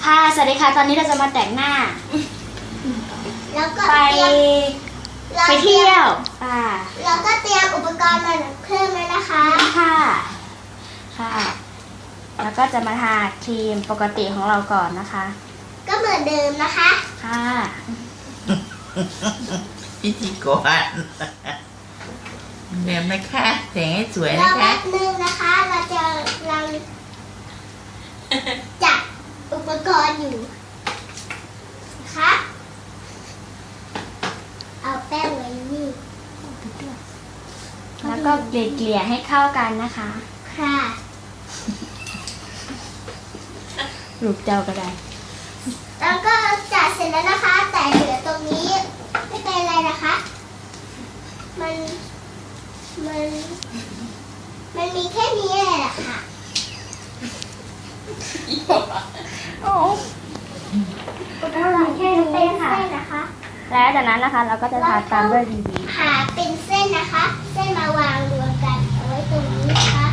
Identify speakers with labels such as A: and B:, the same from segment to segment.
A: ค่ะสวัสดีค่ะตอนนี้เราจะมาแต่งหน้า
B: แล้วก็
A: ไปเที่ยว
B: แล้วก็เตรียมอุปกรณ์มาเพิ่มแล้วนะคะ
A: ค่ะแล้วก็จะมาทาครีมปกติของเราก่อนนะคะ
B: ก็เหมือนเดิมนะคะ
A: ค่ะ
C: พิธีกรแบบนะคะแต่งให้สวยนะคะ
B: แป๊บนึงนะคะเราจะลังจัดอุปกรณ์อยู่นะคะเอาแป้งไว้นี่
A: แล้วก็เกลี่ยให้เข้ากันนะคะ
B: ค่ะ
A: ลูกเจ้าก็ได้
B: แล้วก็จัดเสร็จแล้วนะคะแต่เหลือตรงนี้ไม่เป็นไรนะคะมันมีแค่นี้แหละค่ะ
A: โอ้แค่นี้ค่ะแล้วจากนั้นนะคะเราก็จะทาตามด้วยดี
B: ๆหาเป็นเส้นนะคะเส้นมาวางรวมกันเอาไว้ตรงนี้นะคะ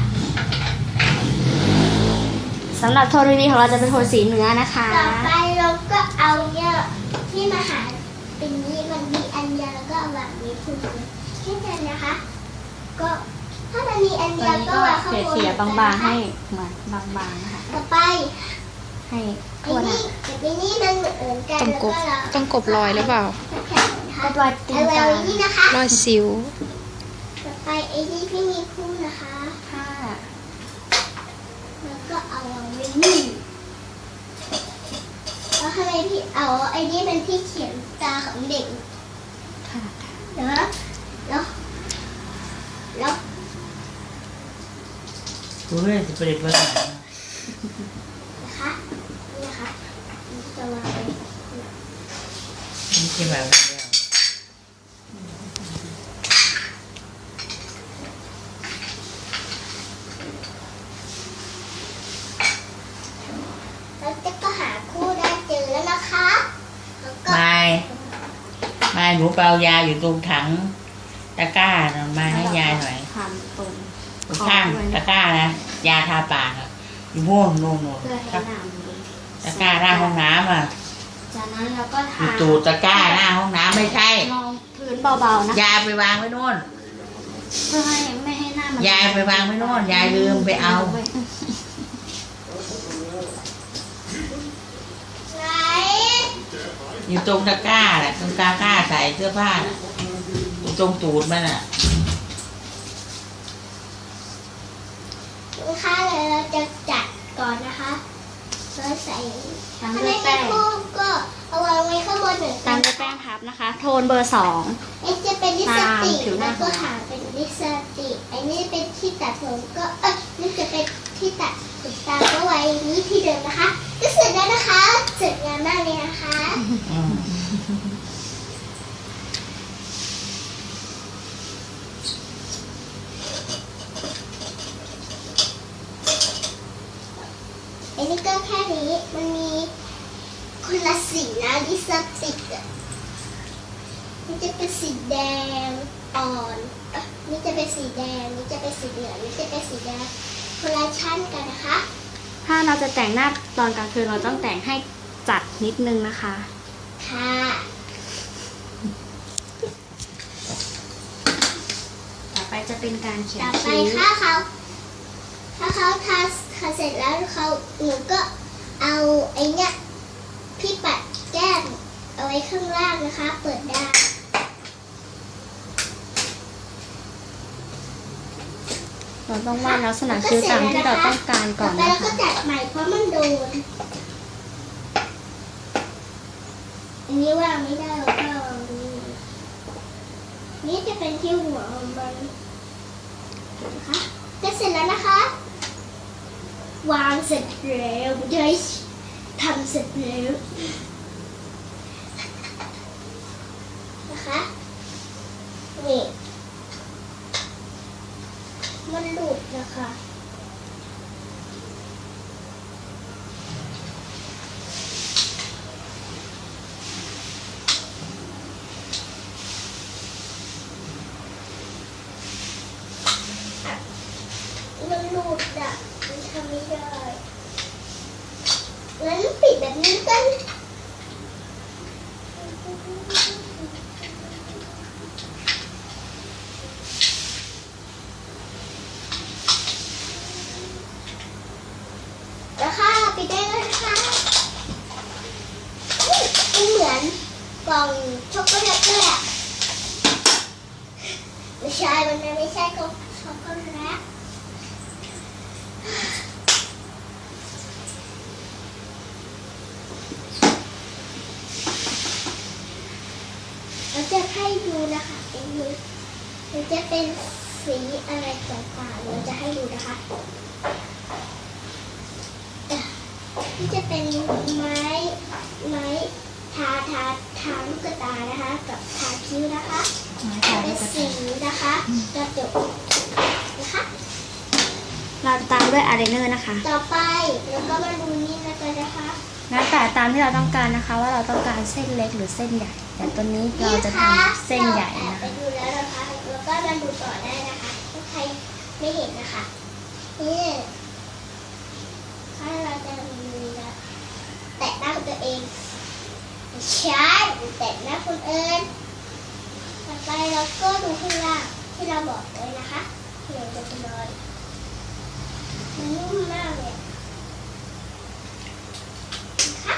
A: สำหรับโทนดีของเราจะเป็นโทนสีเนื้อนะคะ
B: ต่อไปเราก็เอาเนี่ยที่มาหาเป็นนี้มันมีอันเดียวแล้วก็เอาวางนี้ถูกแค่นั้นนะคะก็ถ้ามันมีอันเดียวก็วางข้างบน
A: เขี่ยบางๆให้เหมือนบางๆนะคะ
B: ต่อไป
A: ให้ทั่วหน้า
B: ไอ้นี่มันเหมือนกันแล้วก็
D: ต้องกบรอยหรือเปล่า
A: ก็รอยตีนการ
D: อยสิว
B: ต่อไปไอ้นี่พี่มีคู่นะคะ
A: ค่ะ
B: แล้วก็เอาไว้นี่แล้วทำไมพี่เอาไอ้นี่เป็นที่เขียนตาของเด็ก
A: ค่ะ
B: แล้ว
C: กูเรื่อยจะประเด็นภาษา
B: นะคะนี่นะคะจะวางไว้
C: นี่ใช่ไหม
B: แล้วก็หาคู่ได้เจอแล้วนะคะ
C: ไม่หนูเปล่ายาอยู่ตรงถังตะกร้ามาให้ยายหน่อย
A: ทำตรง
C: ข้างตะกร้านะยาทาปากอยู่ม่วงโน่นตะกร้าหน้าห้องน้ำ
A: จากนั้นเราก็ทา
C: อยู่ตูดตะกร้าหน้าห้องน้ำไม่ใช่
A: ลองพื้นเบาๆนะ
C: ยายไปวางไว้โน่น
A: เพื่อให้ไม่ให้หน้ามัน
C: ยายไปวางไว้โน่นยายลืมไปเอาอยู่ตรงตะกร้าแหละตรงตะกร้าใส่เสื้อผ้าอยู่ตรงตูดมัน
B: นะคะเลยเราจะจัดก่อนนะคะเราใส่
A: ตามด้วยแป้ง
B: ก็เอาวางไว้ข้างบนเหมือนกัน
A: ตามด้วยแป้งพับนะคะโทนเบอร์2
B: จะเป็นลิปสติกแล้วก็หาเป็นลิปสติกไอ้นี่เป็นที่ตัดผมก็นี่จะเป็นที่ตัดขนตาก็ไว้นี่ที่เดิมนะคะก็เสร็จแล้วนะคะเสร็จงานมากเลยนะคะไอ้นี่ก็แค่นี้มันมีคนละสีนะลิปสติกนี่จะเป็นสีแดงอ่อนนี่จะเป็นสีแดงนี่จะเป็นสีเหลืองนี่จะเป็นสีแดงคนละชั้นกันนะคะ
A: ถ้าเราจะแต่งหน้าตอนกลางคืนเราต้องแต่งให้จัดนิดนึงนะคะ
B: ค่ะ
A: ต่อไปจะเป็นการเขียน
B: ต่อไปถ้าเขาทาเสร็จแล้วหนูก็เอาไอ้เนี้ยพี่ปัดแก้มเอาไว้ข้างล่างนะคะเปิดได้
A: เราต้องวาดลักษณะคิ้วตามที่เราต้องการก่อน
B: นะคะแล้วก็จัดใหม่เพราะมันโดนอันนี้วางไม่ได้แล้วก็นี่จะเป็นที่หัวของมันนะคะก็เสร็จแล้วนะคะวางเสร็จแล้วจะทำเสร็จแล้วนะคะนี่มันหลุดนะคะมันหลุดมันทำไม่ได้งั้นปิดแบบนี้กันแล้วค่ะปิดได้แล้วนะคะมันเหมือนกล่องช็อกโกแลตเลยอะไม่ใช่มันไม่ใช่กล่องช็อกโกแลตเราจะให้ดูนะคะเป็นนี้มันจะเป็นสีอะไรต่างๆเราจะให้ดูนะคะนี่จะเป็นไม้ทาลูกตานะคะกับทาคิ้วนะคะเป็นสีนะคะกระจกนะคะ
A: เราตามด้วยอายไลเนอร์นะคะ
B: ต่อไปแล้วก็มาดูนี่นะคะ
A: แล้วแต่ตามที่เราต้องการนะคะ ว่าเราต้องการเส้นเล็กหรือเส้นใหญ่แต่ตัวนี้เราจะทำเส้นใหญ่
B: เรา
A: นะ
B: ไป
A: คะ
B: ดูแล้วนะคะแล้วก็มาดูต่อได้นะคะถ้าใครไม่เห็นนะคะนี่ถ้าเราจะมีนะแตะหน้าตัวเองใช่แตะหน้าคนอื่นต่อไปเราก็ดูข้างล่างที่เราบอกไว้นะคะที่เราจะนอนนุ่มมากเลยนะคะ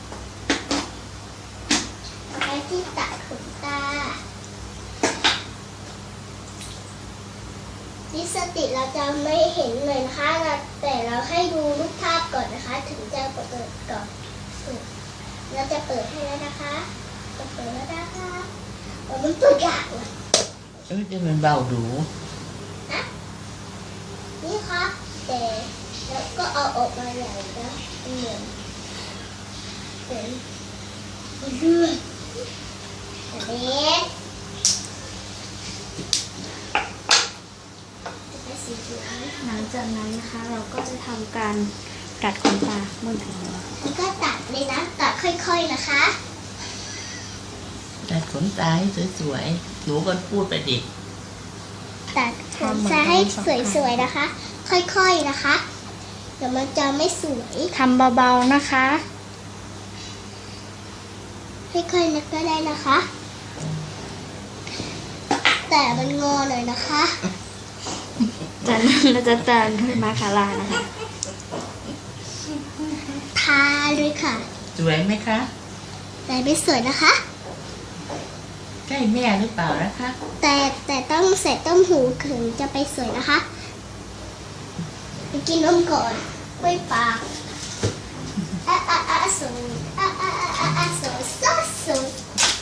B: ต่อไปที่ตัดขนตาลิปสติกเราจะไม่เห็นเลยนะคะแต่เราให้ดูรูปภาพก่อนนะคะ ถึงจะเปิดก่อนเราจะเปิดให้แล้วนะคะจะเปิดแล้วนะคะมันเปิดยากเลย
C: จะมันเบาดู
B: นะนี่ค่ะแต่แล้วก็เอาออกมาใหญ่นะเหมือนเลือดแบบนี้จะเป็นสีเหลือง
A: หลังจากนั้นนะคะเราก็จะทำการกัดขนตาเมื่อถึง
B: แล้วก็ตัดเลยนะตัดค่อยๆนะคะ
C: ตัดขนตาให้สวยๆหนูก็พูดไปดิ
B: ตัดขนตาให้สวยๆนะคะ ค่อยๆนะคะเดี๋ยวมันจะไม่สวย
A: ทำเบาๆนะคะ
B: ค่อยๆนึกก็ได้นะคะ แต่มันงอหน่อยนะคะ
A: จากนั้นเราจะเติมด้วยมาคาร่านะคะ
B: ทาเลยค่ะ
C: สวยไหมคะ
B: แต่ไม่สวยนะคะ
C: ใกล้แม่หรือเปล่านะคะ
B: แต่ต้องใส่ต้มหูถึงจะไปสวยนะคะไปกินนมก่อนกล้วยปากสูงสูงสูง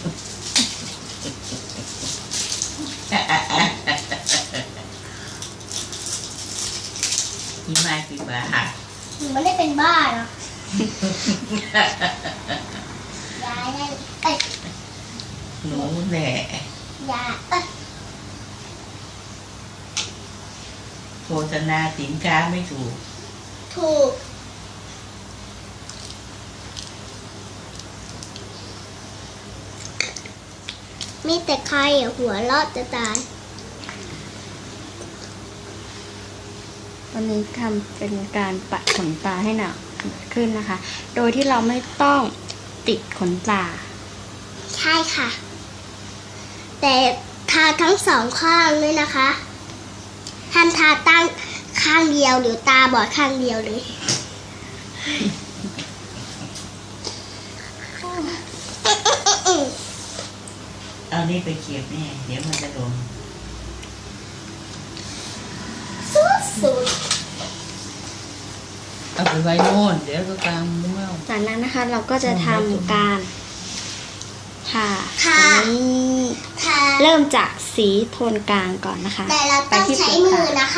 C: ที่มากี่บาท
B: หนูไม่ได้เป็นบ้าหรอกยายนั่น
C: หนูแหละ
B: ยาย
C: โฆษณาสินค้าไม่ถูก
B: ถูกมีแต่ใครหัวเราะจะตาย
A: วันนี้ทำเป็นการปัดขนตาให้หนาขึ้นนะคะ โดยที่เราไม่ต้องติดขนตา
B: ใช่ค่ะ แต่ทาทั้งสองข้างเลยนะคะห้ามทาตั้งข้างเดียวหรือตาบอดข้างเดียวเลย
C: เอานี่ไปเขียบแม่เดี๋ยวมันจะโดน
B: สุด
C: เอาไปไว้โน่นเดี๋ยวก็กลางมั่ว
A: จากนั้นนะคะเราก็จะทำการทา
B: ค่ะ
A: ตัวนี้
B: ทา
A: เริ่มจากสีโทนกลางก่อนนะคะ
B: แต่เราต้องใช้มือนะคะ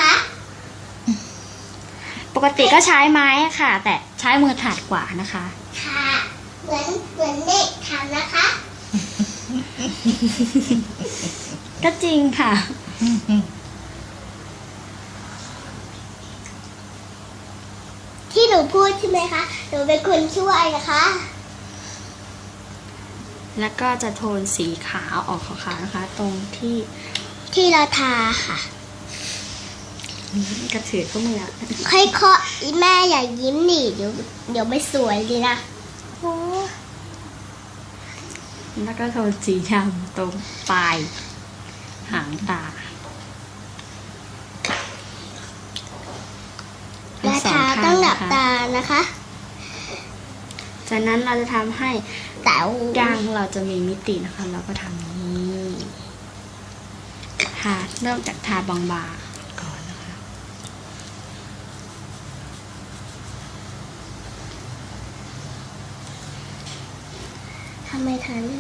A: ปกติก็ใช้ไม้ค่ะ แต่ใช้มือถนัดกว่านะคะ
B: ค่ะเหมือนเด็กทำนะคะ
A: ก็จริงค่ะ
B: ที่หนูพูดใช่ไหมคะหนูเป็นคนช่วยนะคะ
A: แล้วก็จะโทนสีขาวออกขาวๆนะคะ ตรงที่
B: ที่เราทาค่ะ
A: กระถือเข้ามือ
B: ค่อยๆอีแม่อย่ายิ้มหนิเดี๋ยวไม่สวยเลยนะ
A: แล้วก็โทนสีดำตรงปลายหางตา
B: ยาทาต้องหลับตานะคะ
A: จากนั้นเราจะทำให้
B: แต่
A: ดังเราจะมีมิตินะคะ เราก็ทำอย่างนี้ทาเริ่มจากทาบางๆก่อนนะคะ
B: ทำไมทัน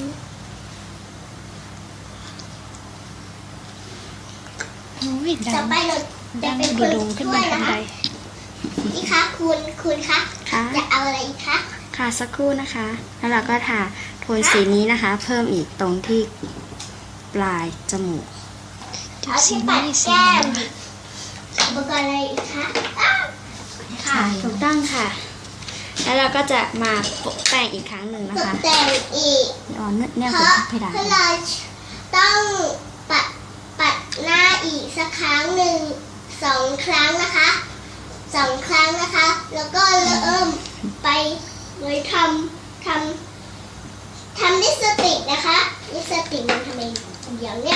A: โอ้ย
B: ต่อไปเราจะเป็นคน
A: ดงขึ้น
B: ช่ว
A: มาย ทั
B: นะ
A: นใด
B: คะนี่คะคุณคะ
A: ค่ะ
B: อยากเอาอะไรอีกคะ
A: ค่ะสักครู่นะคะ แล้วเราก็ทาโทนสีนี้นะคะ เพิ่มอีกตรงที่ปลายจมูก
B: เอาที่ปัดแก้มอุปกรณ์อะไรอีกคะอ้าว
A: ค่ะถูกต้องค่ะ แล้วเราก็จะมาโปะแป้งอีกครั้งหนึ่งนะ
B: ตก
A: คะ
B: แต่งอีก
A: อ๋อเนี่ย
B: เพ
A: เป็น
B: ราะ
A: เพดาน
B: เราต้องปัดหน้าอีกสักครั้งหนึ่ง2 ครั้งนะคะ2 ครั้งนะคะ แล้วก็เริ่มไปเลยทำลิปสติกนะคะลิปสติกมันทำไมเดี๋ยวเนี้ย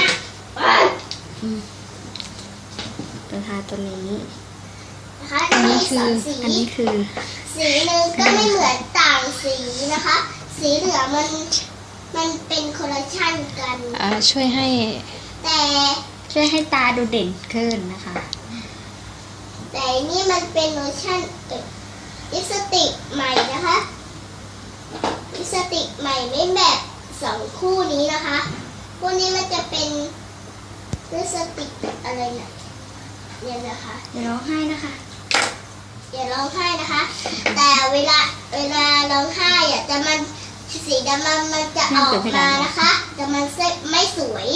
A: จะทาตัวนี้
B: นะคะ
A: อัน
B: จะ
A: นี้
B: มี
A: คื
B: ส
A: อ
B: องสี
A: อันนี้คือ
B: สีหนึ่งก็ไม่เหมือนต่างสีนะคะ สีเหลืองมันเป็นคอลเลคชันกัน
A: ช่วยให้
B: แต่
A: ตาดูเด่นขึ้นนะคะ
B: แต่นี่มันเป็นโลชั่นลิปสติกใหม่นะคะลิปสติกใหม่ไม่แบบ2 คู่นี้นะคะคู่นี้มันจะเป็นลิปสติกอะไรเนี่ยเนี่ยนะคะ
A: เดี๋ยวร้องไห้นะคะ
B: อย่าร้องไห้นะคะ แต่เวลาร้องไห้อ่ะจะมันสีดำมันจะออกมานะคะแต่มันไม่สวย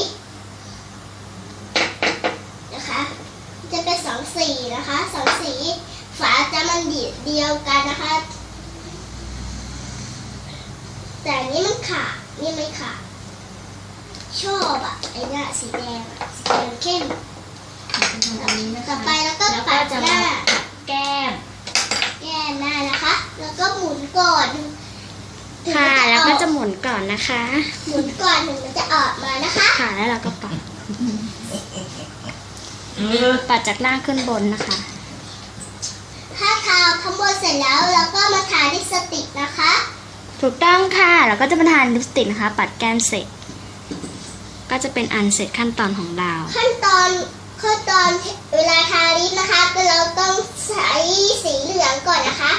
B: นะคะจะเป็น2 สีนะคะ2 สีฝาจะมันเดียวกันนะคะ แต่อันนี้มันขาดนี่ไม่ขาดชอบอ่ะไอ้เนี่ยสีแดงอะสีแดงเข้ม
A: อันนี้นะคะ
B: ต่อไปแล้วก็ปัดหน้า
A: แก้ม
B: แก้มหน้านะคะ แล้วก็หมุนก่อนถึง
A: ค่ะ
B: มัน
A: แล้ว
B: อ
A: ก็
B: อก
A: จะหมุนก่อนนะคะ
B: หมุนก่อนถึงมันจะออกมานะคะ
A: ค่ะ แล้วเราก็ปัดจากหน้าขึ้นบนนะคะ
B: ถ้าทาข้างบนเสร็จแล้วเราก็มาทาลิปสติกนะคะ
A: ถูกต้องค่ะเราก็จะมาทานลิปสติกนะคะ ปัดแก้มเสร็จ ก็จะเป็นอันเสร็จขั้นตอนของเรา
B: ขั้นตอนเวลาทาลิปนะคะก็เราต้องใช้สีเหลืองก่อนนะคะ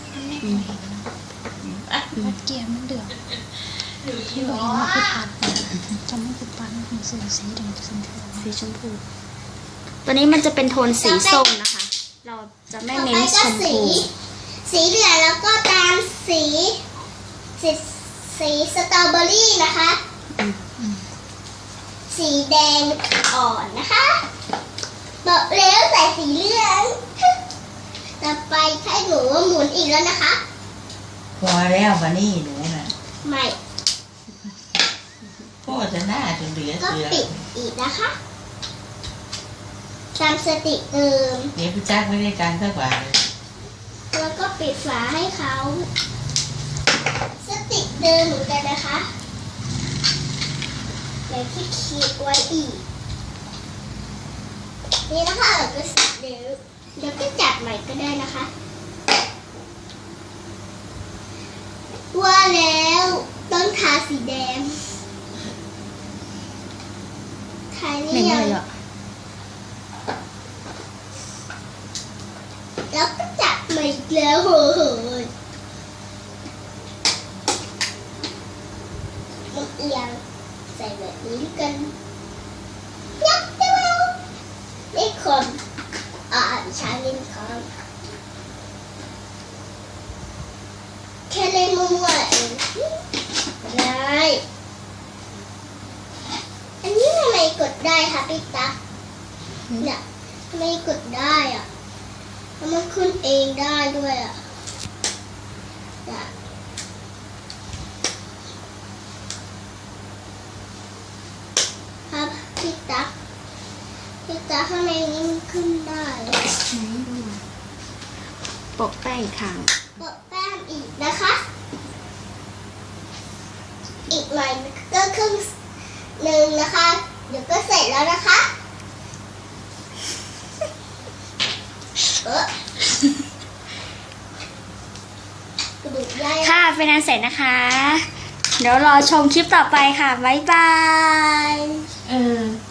D: วัดเกียร์มันเดือดที่บอกเองว่าคือปัดจำไม่คือปัดมันคือสีแดงสีชมพู
A: สีชมพู ตัวนี้มันจะเป็นโทนสีส้มนะคะ เราจะไม่
B: ต่อ
A: เน้
B: ไป
A: นช
B: ก็
A: ม
B: สี
A: พู
B: สีเหลืองแล้วก็ตามสีสตรอเบอรี่นะคะ สีแดงอ่อนนะคะบอกแล้วใส่สีเหลืองต่อไปให้หนูหมุนอีกแล้วนะคะ
C: พอแล้ววันนี้หนูน่ะ
B: ไม่
C: พ่อจะหน้าจนเหลือ
B: ก็
C: เสือ
B: ปิดอีกนะคะตามสติเดิม
C: เดี๋ยวพี่จักไม่ได้การสักบาทเลย
B: แล้วก็ปิดฝาให้เขาสติเดิมเหมือนกันนะคะแบบที่ขีดไว้อีกนี่นะคะเราก็สติเดิมเดี๋ยวก็จัดใหม่ก็ได้นะคะว่าแล้วต้องทาสีแดงทา
A: เหม็
B: นี่
A: น
B: ยั
A: เล
B: ง
A: ยเหรอ
B: แล้วก็จัดใหม่อีกแล้วโหมันเอียงใส่แบบนี้กันยักษ์จังเลยนี่คนชาลินครับแค่เล่นมั่วๆเองได้อันนี้ทำไมกดได้คะพี่ตั๊กเนี่ยทำไมกดได้อ่ะแล้วมันขึ้นเองได้ด้วยอ่ะเนี่ยครับพี่ตั๊กข้างในนี้มันขึ้นได้
A: โปะแป้งอีกครั้ง
B: กดแป้งอีกนะคะ
A: ค
B: อีกหน่อยก็ครึ่งหนึ่งนะคะ เดี๋ยวก็เสร็จแล้วนะคะกระดูกย่อย
A: ค่ะเป็นอันเสร็จนะคะ เดี๋ยวรอชมคลิปต่อไปค่ะ บ๊ายบาย